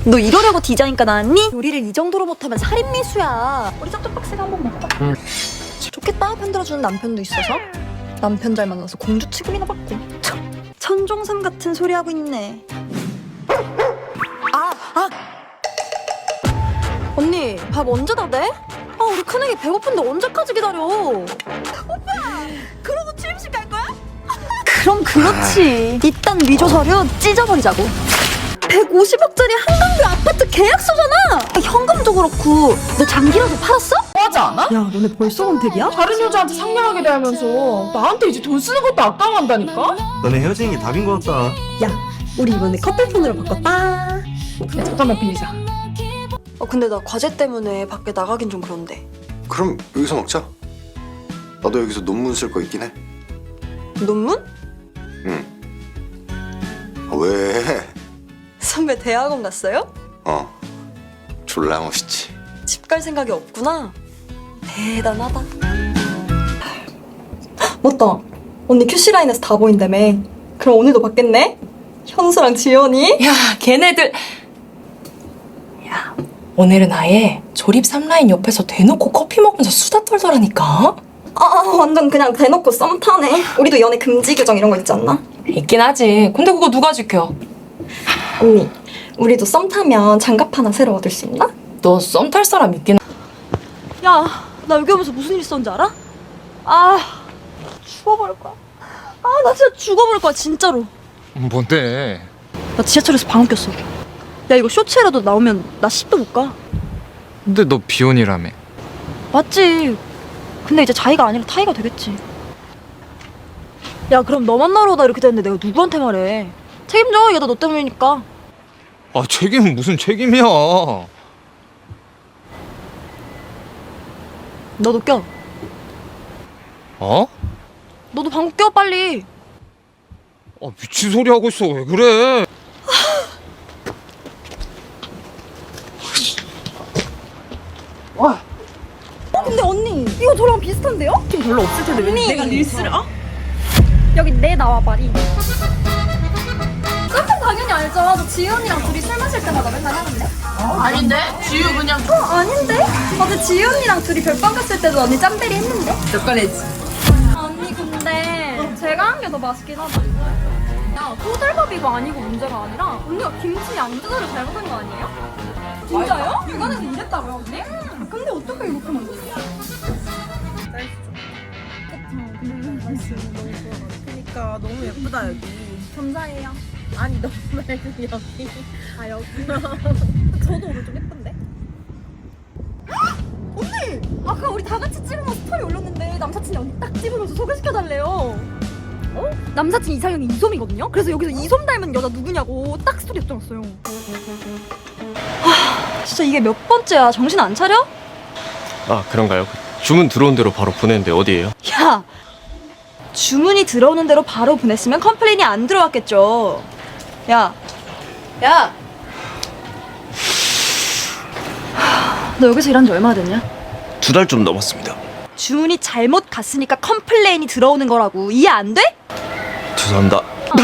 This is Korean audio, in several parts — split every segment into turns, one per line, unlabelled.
너 이러려고 디자인과 나왔니? 요리를 이 정도로 못하면 살인미수야. 우리 짭짭박스가 한번 먹어봐. 좋겠다, 편들어주는 남편도 있어서. 남편 잘 만나서 공주 취급이나 받고. 천종삼 같은 소리 하고 있네. 언니, 밥 언제 다 돼? 우리 큰애기 배고픈데 언제까지 기다려? 오빠, 그러고 취임식 갈 거야? 그럼 그렇지. 일단 위조 서류 찢어버리자고. 150억짜리 한강뷰 아파트 계약서잖아. 현금도 그렇고 너 장기라도 팔았어?
하지 않아?
야, 너네 벌써 권태기야?
다른 여자한테 상냥하게 대하면서 나한테 이제 돈 쓰는 것도 아까워한다니까?
너네 헤어지는 게 답인 것 같다.
야, 우리 이번에 커플폰으로 바꿨다.
야, 잠깐만 빌리자.
근데 나 과제 때문에 밖에 나가긴 좀 그런데.
그럼 여기서 먹자. 나도 여기서 논문 쓸 거 있긴 해.
논문?
왜?
선배 대학원 갔어요?
졸라 멋있지.
집 갈 생각이 없구나. 대단하다. 맞다. 언니 QC라인에서 다 보인다며. 그럼 오늘도 봤겠네? 현수랑 지연이?
야, 걔네들. 야, 오늘은 아예 조립 3라인 옆에서 대놓고 커피 먹으면서 수다 떨더라니까?
완전 그냥 대놓고 썸 타네. 우리도 연애 금지 규정 이런 거 있지 않나?
있긴 하지. 근데 그거 누가 지켜?
언니, 우리도 썸 타면 장갑 하나 새로 얻을 수 있나?
너 썸 탈 사람 있긴
야, 나 여기 오면서 무슨 일 있었는지 알아? 죽어버릴 거야. 나 진짜 죽어버릴 거야, 진짜로.
뭔데?
나 지하철에서 방귀 꼈어. 야, 이거 쇼츠에라도 나오면 나 10도 못 가.
근데 너 비혼이라며.
맞지. 근데 이제 자기가 아니라 타이가 되겠지. 야, 그럼 너 만나러 오다 이렇게 됐는데 내가 누구한테 말해? 책임져. 얘도 너 때문이니까.
책임은 무슨 책임이야.
너도 껴.
어?
너도 방귀 껴, 빨리.
미친 소리 하고 있어. 왜 그래?
근데 언니, 이거 저랑 비슷한데요?
좀 별로 없을 텐데 왜 내가 릴스를
여기 내 나와 말이. 깜짝 당연히 알죠. 저 지유 언니랑 둘이 술 마실 때마다 맨날 하는데.
아닌데? 지유 그냥
아닌데? 어제 지유 언니랑 둘이 별방 갔을 때도 언니 짬베리 했는데.
몇 건 했지.
언니 근데 제가 한 게 더 맛있긴 하다. 야, 토들밥 이거 아니고 문제가 아니라 언니가 김치 양조절을 잘못한 거 아니에요? 진짜요? 육안에서 이랬다고요 언니? 근데 어떻게 이렇게 만들었어?
그러니까 너무 예쁘다 여기.
감사해요.
아니 너무 말고 여기.
여기. 저도 오늘 좀 예쁜데? 언니! 아까 우리 다 같이 찍으면서 스토리 올렸는데 남사친이 언니 딱 찍으면서 소개시켜달래요. 남사친 이상형이 이솜이거든요? 그래서 여기서 이솜 닮은 여자 누구냐고 딱 스토리 엽장했어요. 진짜 이게 몇 번째야. 정신 안 차려?
그런가요? 주문 들어온 대로 바로 보내는데 어디예요?
야! 주문이 들어오는 대로 바로 보냈으면 컴플레인이 안 들어왔겠죠. 야! 너 여기서 일한 지 얼마나 됐냐?
2달 좀 넘었습니다.
주문이 잘못 갔으니까 컴플레인이 들어오는 거라고. 이해 안 돼?
죄송합니다.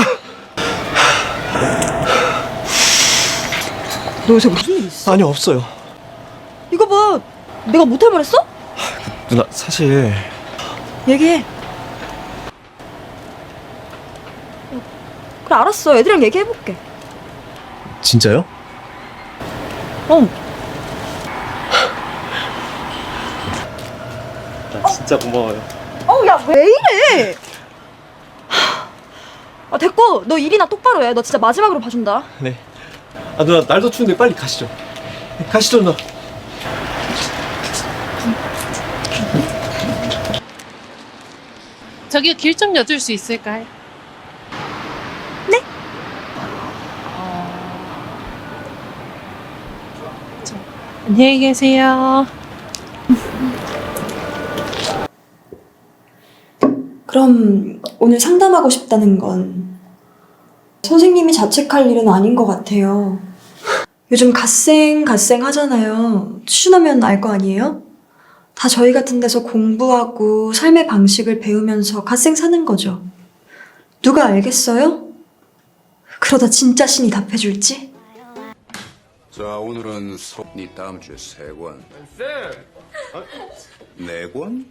너 요새 무슨 일 있어?
아니 없어요.
이거 봐. 내가 못할 말했어?
누나 사실
얘기해. 그래 알았어. 애들이랑 얘기해볼게.
진짜요? 나 진짜 고마워요.
야 왜 이래? 됐고 너 일이나 똑바로 해. 너 진짜 마지막으로 봐준다.
네. 누나 날도 추운데 빨리 가시죠. 가시죠 누나.
저기요, 길 좀 여줄 수 있을까요?
네?
안녕히 계세요.
그럼 오늘 상담하고 싶다는 건 선생님이 자책할 일은 아닌 것 같아요. 요즘 갓생 하잖아요. 취준하면 알 거 아니에요? 다 저희 같은 데서 공부하고 삶의 방식을 배우면서 갓생 사는 거죠. 누가 알겠어요? 그러다 진짜 신이 답해줄지?
자, 오늘은 네 다음 주에 3권.
쌤!
네 4권?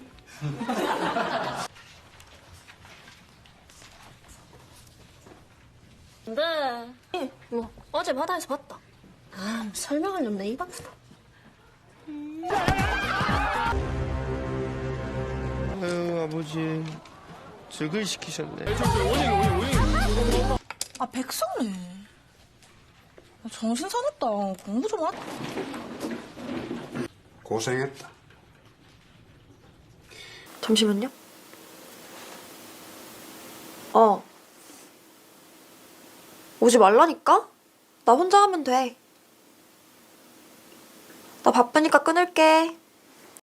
근데 뭐 어제 바다에서 봤다. 아 설명하려면 내 입 아프다.
아유 아버지 즐글 시키셨네.
아 백성래. 정신 사납다. 공부 좀 하라.
고생했다.
잠시만요. 오지 말라니까? 나 혼자 하면 돼. 나 바쁘니까 끊을게.